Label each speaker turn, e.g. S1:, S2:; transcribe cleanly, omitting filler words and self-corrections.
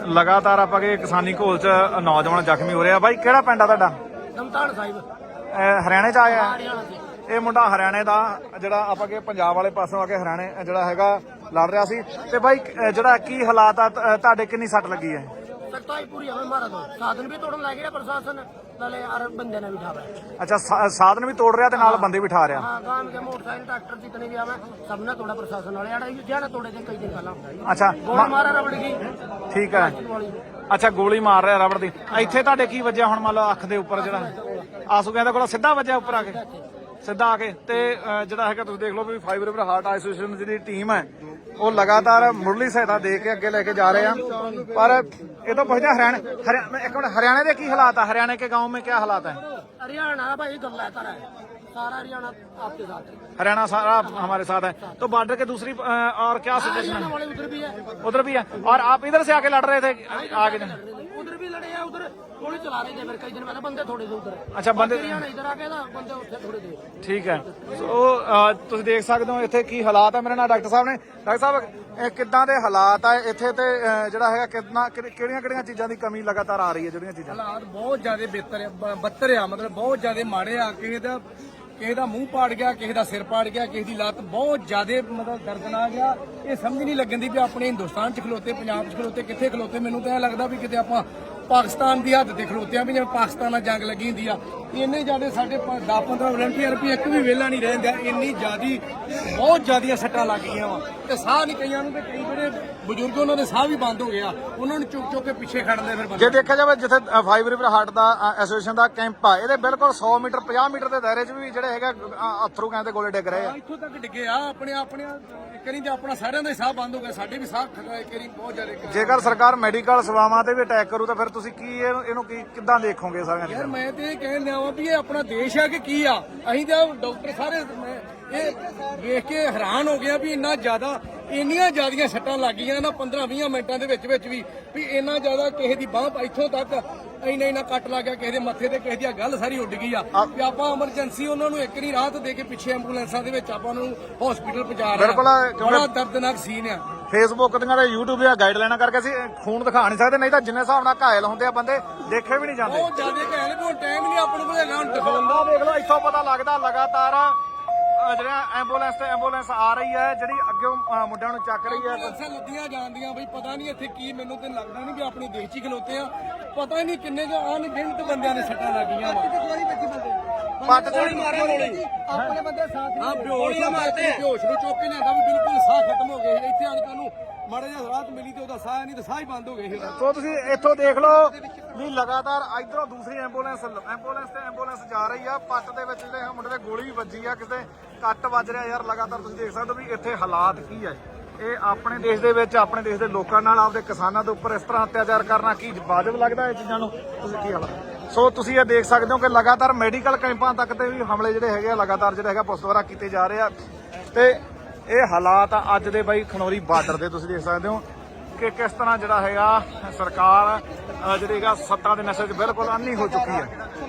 S1: लगातार ਆਪਾਂ के किसानी घोल च नौजवान जख्मी हो रहा। बाई ਕਿਹੜਾ ਪਿੰਡ ਆ ਤੁਹਾਡਾ?
S2: ਨਮਤਾਨ ਸਾਹਿਬ
S1: ਹਰਿਆਣੇ ਚ ਆਇਆ
S2: ਹਰਿਆਣਾ ਦੇ।
S1: ਇਹ ਮੁੰਡਾ ਹਰਿਆਣੇ ਦਾ ਜਿਹੜਾ ਆਪਾਂ ਕੇ ਪੰਜਾਬ ਵਾਲੇ ਪਾਸੋਂ ਆ ਕੇ ਹਰਿਆਣੇ ਜਿਹੜਾ ਹੈਗਾ ਲੜ ਰਿਹਾ ਸੀ। ਤੇ ਬਾਈ ਜਿਹੜਾ ਕੀ ਹਾਲਾਤ ਆ ਤੁਹਾਡੇ, ਕਿੰਨੀ ਸੱਟ ਲੱਗੀ ਹੈ?
S2: सख्ताई पूरी हमें मारा दो साधन भी तोड़न लग गया प्रशासन नाले यार बंदे ने बिठा रहा।
S1: अच्छा साधन भी तोड़ रहा ते नाल बंदे बिठा रहा।
S2: हाँ गांव के मोटरसाइकिल ट्रैक्टर जितने भी आवे सबने तोड़ा प्रशासन वाले यार जाने तोड़े थे कई दिन पहला।
S1: अच्छा
S2: गोली मारा रबड़ की।
S1: ठीक है। अच्छा गोली मार ਰਿਹਾ ਰਬੜ ਦੀ। ਇੱਥੇ ਤੁਹਾਡੇ ਕੀ ਵੱਜਿਆ ਹੁਣ? ਮੰਨ ਲਓ ਅੱਖ ਦੇ ਉੱਪਰ ਜਿਹੜਾ ਆਸੂ ਕਹਿੰਦਾ ਕੋਲ ਸਿੱਧਾ ਵੱਜਿਆ ਉੱਪਰ ਆ ਕੇ, ਸਿੱਧਾ ਆ ਕੇ। ਤੇ ਜਿਹੜਾ ਹੈਗਾ ਤੁਸੀਂ ਦੇਖ ਲਓ ਵੀ ਫਾਈਵ ਰਿਵਰ ਹਾਰਟ ਐਸੋਸੀਏਸ਼ਨ ਦੀ ਜਿਹੜੀ ਟੀਮ ਹੈ ਉਹ ਲਗਾਤਾਰ ਮੁੱਢਲੀ ਸਹਾਇਤਾ ਦੇ ਕੇ ਅੱਗੇ ਲੈ ਕੇ ਜਾ ਰਹੇ ਆ। ਪਰ ਇਹ ਤਾਂ ਪੁੱਛਦੇ ਹਰਿਆਣਾ ਇੱਕ ਮਿੰਟ, ਹਰਿਆਣੇ ਦੇ ਕੀ ਹਾਲਾਤ ਆ? हरियाणा के गाँव में क्या हालात है?
S2: हरियाणा भाई गला है सारा हरियाणा आपके साथ है।
S1: हरियाणा सारा हमारे साथ है। तो बॉर्डर के दूसरी और क्या सिचुएशन है?
S2: उधर भी है,
S1: उधर भी है। और आप इधर से आके लड़ रहे थे आगे?
S2: उधर भी लड़े हैं, उधर गोली चला रहे थे फिर कई दिन पहले बंदे थोड़े थे उधर।
S1: अच्छा बंदे
S2: इधर आके ना बंदे उठे थोड़े थे।
S1: ठीक है। ਸੋ ਤੁਸੀਂ ਦੇਖ ਸਕਦੇ ਹੋ ਇੱਥੇ ਕੀ ਹਾਲਾਤ ਹੈ। ਮੇਰੇ ਨਾਲ ਡਾਕਟਰ ਸਾਹਿਬ ਨੇ। ਡਾਕਟਰ ਸਾਹਿਬ ਇਹ ਕਿੱਦਾਂ ਦੇ ਹਾਲਾਤ ਆ ਇੱਥੇ ਤੇ ਜਿਹੜਾ ਹੈਗਾ ਕਿੰਨਾ ਕਿਹੜੀਆਂ ਚੀਜ਼ਾਂ ਦੀ ਕਮੀ ਲਗਾਤਾਰ ਆ ਰਹੀ ਹੈ? ਜਿਹੜੀਆਂ ਚੀਜ਼ਾਂ
S3: ਹਾਲਾਤ ਬਹੁਤ ਜ਼ਿਆਦਾ ਬੱਤਰ ਆ, ਮਤਲਬ ਬਹੁਤ ਜ਼ਿਆਦਾ ਮਾੜੇ ਆ। ਕਿਸੇ ਦਾ ਮੂੰਹ ਪਾੜ ਗਿਆ, ਕਿਸੇ ਦਾ ਸਿਰ ਪਾੜ ਗਿਆ, ਕਿਸੇ ਦੀ ਲੱਤ ਬਹੁਤ ਜ਼ਿਆਦਾ ਮਤਲਬ ਦਰਦਨਾਕ ਆ। ਇਹ ਸਮਝ ਨਹੀਂ ਲੱਗਣ ਦੀ ਵੀ ਆਪਣੇ ਹਿੰਦੁਸਤਾਨ 'ਚ ਖਲੋਤੇ, ਪੰਜਾਬ 'ਚ ਖਲੋਤੇ, ਕਿੱਥੇ ਖਲੋਤੇ। ਮੈਨੂੰ ਤਾਂ ਇਹ ਲੱਗਦਾ ਵੀ ਕਿਤੇ ਆਪਾਂ ਪਾਕਿਸਤਾਨ ਦੀ ਹੱਦ ਤੇ ਖਲੋਤੇ ਆ, ਵੀ ਜਿਵੇਂ ਪਾਕਿਸਤਾਨ ਨਾਲ ਜੰਗ ਲੱਗੀ ਹੁੰਦੀ ਆ। ਇੰਨੇ ਜ਼ਿਆਦਾ ਸਾਡੇ 10-15 ਵਲੰਟੀਅਰ ਵੀ ਇੱਕ ਵੀ ਵਿਹਲਾ ਨਹੀਂ ਰਹਿੰਦਾ। ਇੰਨੀ ਜ਼ਿਆਦੀ ਬਹੁਤ ਜ਼ਿਆਦੀਆਂ ਸੱਟਾਂ ਲੱਗ ਗਈਆਂ ਵਾ ਤੇ ਸਾਹ ਨਹੀਂ ਕਈਆਂ ਨੂੰ, ਤੇ ਕਈ ਜਿਹੜੇ ਬਜ਼ੁਰਗ ਉਹਨਾਂ ਦੇ ਸਾਹ ਵੀ ਬੰਦ ਹੋ ਗਿਆ, ਉਹਨਾਂ ਨੂੰ ਚੁੱਕ ਕੇ ਪਿੱਛੇ ਖੜਦੇ ਫਿਰ ਬੰਦੇ।
S1: ਜੇ ਦੇਖਿਆ ਜਾਵੇ ਜਿੱਥੇ ਫਾਈਵ ਰਿਵਰ ਹਾਰਟ ਦਾ ਐਸੋਸੀਏਸ਼ਨ ਦਾ ਕੈਂਪ ਆ, ਇਹਦੇ ਬਿਲਕੁਲ 100 ਮੀਟਰ 50 ਮੀਟਰ ਦੇ ਦਾਇਰੇ 'ਚ ਵੀ ਜਿਹੜੇ ਹੈਗਾ ਅਥਰੂ ਕਹਿੰਦੇ ਗੋਲੇ ਡਿੱਗ ਰਹੇ ਆ।
S3: ਇੱਥੋਂ ਤੱਕ ਡਿੱਗੇ ਆ ਆਪਣੇ ਕਰੀ ਤੇ ਆਪਣਾ ਸਾਰਿਆਂ ਦਾ ਹੀ ਸਾਹ ਬੰਦ ਹੋ ਗਿਆ, ਸਾਡੇ ਵੀ ਸਾਹ ਕਰੀ ਬਹੁਤ ਜ਼ਿਆਦਾ।
S1: ਜੇਕਰ ਸਰਕਾਰ ਮੈਡੀਕਲ ਸੇਵਾਵਾਂ ਤੇ ਵੀ ਅਟੈਕ ਕਰੂ ਤਾਂ ਫਿਰ ਤੁਸੀਂ ਕੀ ਇਹਨੂੰ ਕਿੱਦਾਂ ਦੇਖੋਗੇ ਸਾਰਿਆਂ
S3: ਯਾਰ ਮੈਂ ਤੇ ਇਹ ਕਹਿਣ ਲਿਆ ਵਾਂ ਵੀ ਇਹ ਆਪਣਾ ਦੇਸ਼ ਆ ਕਿ ਕੀ ਆ। ਅਸੀਂ ਤਾਂ ਡਾਕਟਰ ਸਾਰੇ ਇਹ ਵੇਖ ਕੇ ਹੈਰਾਨ ਹੋ ਗਿਆ ਵੀ ਇੰਨੀਆਂ ਜ਼ਿਆਦੀਆਂ ਸੱਟਾਂ ਲੱਗ ਗਈਆਂ ਨਾ 15-20 ਮਿੰਟਾਂ ਦੇ ਵਿੱਚ ਵੀ ਇੰਨਾ ਜ਼ਿਆਦਾ ਕਿਸੇ ਦੀ ਬਾਂਹ ਇੱਥੋਂ ਤੱਕ ਇੰਨਾ ਕੱਟ ਲੱਗ ਗਿਆ, ਕਿਸੇ ਦੇ ਮੱਥੇ ਤੇ, ਕਿਸੇ ਦੀ ਗੱਲ ਸਾਰੀ ਉੱਡ ਗਈ ਆ। ਵੀ ਆਪਾਂ ਐਮਰਜੈਂਸੀ ਉਹਨਾਂ ਨੂੰ ਇੱਕ ਨਹੀਂ ਰਾਹਤ ਦੇ ਕੇ ਪਿੱਛੇ ਐਂਬੂਲੈਂਸਾਂ ਦੇ ਵਿੱਚ ਆਪਾਂ ਨੂੰ ਹਸਪੀਟਲ ਪਹੁੰਚਾ ਰਹੇ ਆ। ਬੜਾ ਦਰਦਨਾਕ ਸੀਨ ਆ।
S1: ਫੇਸਬੁੱਕ ਦੀਆਂ ਤੇ YouTube ਦੀਆਂ ਗਾਈਡਲਾਈਨਾਂ ਕਰਕੇ ਅਸੀਂ ਖੂਨ ਦਿਖਾ ਨਹੀਂ ਸਕਦੇ, ਨਹੀਂ ਤਾਂ ਜਿੰਨੇ ਹਿਸਾਬ ਨਾਲ ਘਾਇਲ ਹੁੰਦੇ ਆ ਬੰਦੇ ਦੇਖੇ ਵੀ ਨਹੀਂ ਜਾਂਦੇ।
S3: ਬਹੁਤ ਜ਼ਿਆਦਾ ਘਾਇਲ ਵੀ ਹੁਣ ਟਾਈਮ ਨਹੀਂ ਆਪਣੇ ਕੋਲ ਹੈਗਾ ਹੁਣ ਦਿਖਾਉਣ ਦਾ।
S1: ਦੇਖ ਲਓ ਇੱਥੋਂ ਪਤਾ ਲੱਗਦਾ ਲਗਾਤਾਰ ਜਿਹੜਾ ਐਂਬੂਲੈਂਸ ਆ ਰਹੀ ਹੈ, ਜਿਹੜੀ ਅੱਗੇ ਮੁੰਡਿਆਂ ਨੂੰ ਚੱਕ ਰਹੀ ਹੈ।
S3: ਐਂਬੂਲੈਂਸਾਂ ਲੱਦੀਆਂ ਜਾਂਦੀਆਂ ਬਈ ਪਤਾ ਨਹੀਂ ਇੱਥੇ ਕੀ, ਮੈਨੂੰ ਤੇ ਲੱਗਦਾ ਨਹੀਂ ਵੀ ਆਪਣੇ ਦੇਸ਼ 'ਚ ਹੀ ਖਲੋਤੇ ਆ। ਪਤਾ ਹੀ ਨਹੀਂ ਕਿੰਨੇ ਜੋ ਅਣਗਿਣਤ ਬੰਦਿਆਂ ਨੇ ਸੱਟਾਂ ਲੱਗੀਆਂ ਵਾ।
S1: ਪੱਟ
S3: ਗੋਲੀ ਮਾਰੇ ਗੋਲੀ ਆਪਣੇ ਬੰਦੇ ਸਾਥ ਹਾਂ ਬੇਹੋਸ਼ ਮਾਰਦੇ, ਬੇਹੋਸ਼ ਨੂੰ ਚੁੱਕ ਕੇ ਲਿਆਂਦਾ ਵੀ ਬਿਲਕੁਲ ਸਾਹ ਖਤਮ ਹੋ ਗਏ। ਇੱਥੇ ਆਣ ਕੇ ਉਹਨੂੰ ਮਾੜਾ ਜਿਹਾ ਰਾਹਤ ਮਿਲੀ ਤੇ ਉਹਦਾ ਸਾਹ ਨਹੀਂ ਤੇ ਸਾਹ ਹੀ ਬੰਦ ਹੋ ਗਏ ਸੀ।
S1: ਸੋ ਤੁਸੀਂ ਇੱਥੋਂ ਦੇਖ ਲਓ ਵੀ ਲਗਾਤਾਰ ਇਧਰੋਂ ਦੂਸਰੀ ਐਂਬੂਲੈਂਸ ਜਾ ਰਹੀ ਆ। ਪੱਟ ਦੇ ਵਿੱਚ ਜਿਹੜੇ ਮੁੰਡੇ ਦੇ ਗੋਲੀ ਵੀ ਵੱਜੀ ਆ, ਕਿਸੇ ਕੱਟ ਵੱਜ ਰਿਹਾ। ਯਾਰ ਲਗਾਤਾਰ ਤੁਸੀਂ ਦੇਖ ਸਕਦੇ ਹੋ ਵੀ ਇੱਥੇ ਹਾਲਾਤ ਕੀ ਹੈ। ਇਹ ਆਪਣੇ ਦੇਸ਼ ਦੇ ਵਿੱਚ ਆਪਣੇ ਦੇਸ਼ ਦੇ ਲੋਕਾਂ ਨਾਲ, ਆਪਦੇ ਕਿਸਾਨਾਂ ਦੇ ਉੱਪਰ ਇਸ ਤਰ੍ਹਾਂ ਅਤਿਆਚਾਰ ਕਰਨਾ ਕੀ ਵਾਜਬ ਲੱਗਦਾ? ਇਹ ਚੀਜ਼ਾਂ ਨੂੰ ਤੁਸੀਂ ਕੀ ਹਾਲਾਤ? ਸੋ ਤੁਸੀਂ ਇਹ ਦੇਖ ਸਕਦੇ ਹੋ ਕਿ ਲਗਾਤਾਰ ਮੈਡੀਕਲ ਕੈਂਪਾਂ ਤੱਕ ਤੇ ਵੀ ਹਮਲੇ ਜਿਹੜੇ ਹੈਗੇ ਆ ਲਗਾਤਾਰ ਜਿਹੜਾ ਹੈਗਾ ਪੁਲਿਸ ਦੁਆਰਾ ਕੀਤੇ ਜਾ ਰਹੇ ਆ। ਤੇ ਇਹ ਹਾਲਾਤ ਆ ਅੱਜ ਦੇ ਬਾਈ ਖਨੌਰੀ ਬਾਰਡਰ ਦੇ। ਤੁਸੀਂ ਦੇਖ ਸਕਦੇ ਹੋ ਕਿ ਕਿਸ ਤਰ੍ਹਾਂ ਜਿਹੜਾ ਹੈਗਾ ਸਰਕਾਰ ਜਿਹੜੀ ਹੈਗਾ ਸੱਤਾ ਦੇ ਨਸ਼ੇ 'ਚ ਬਿਲਕੁਲ ਅੰਨੀ ਹੋ ਚੁੱਕੀ ਹੈ।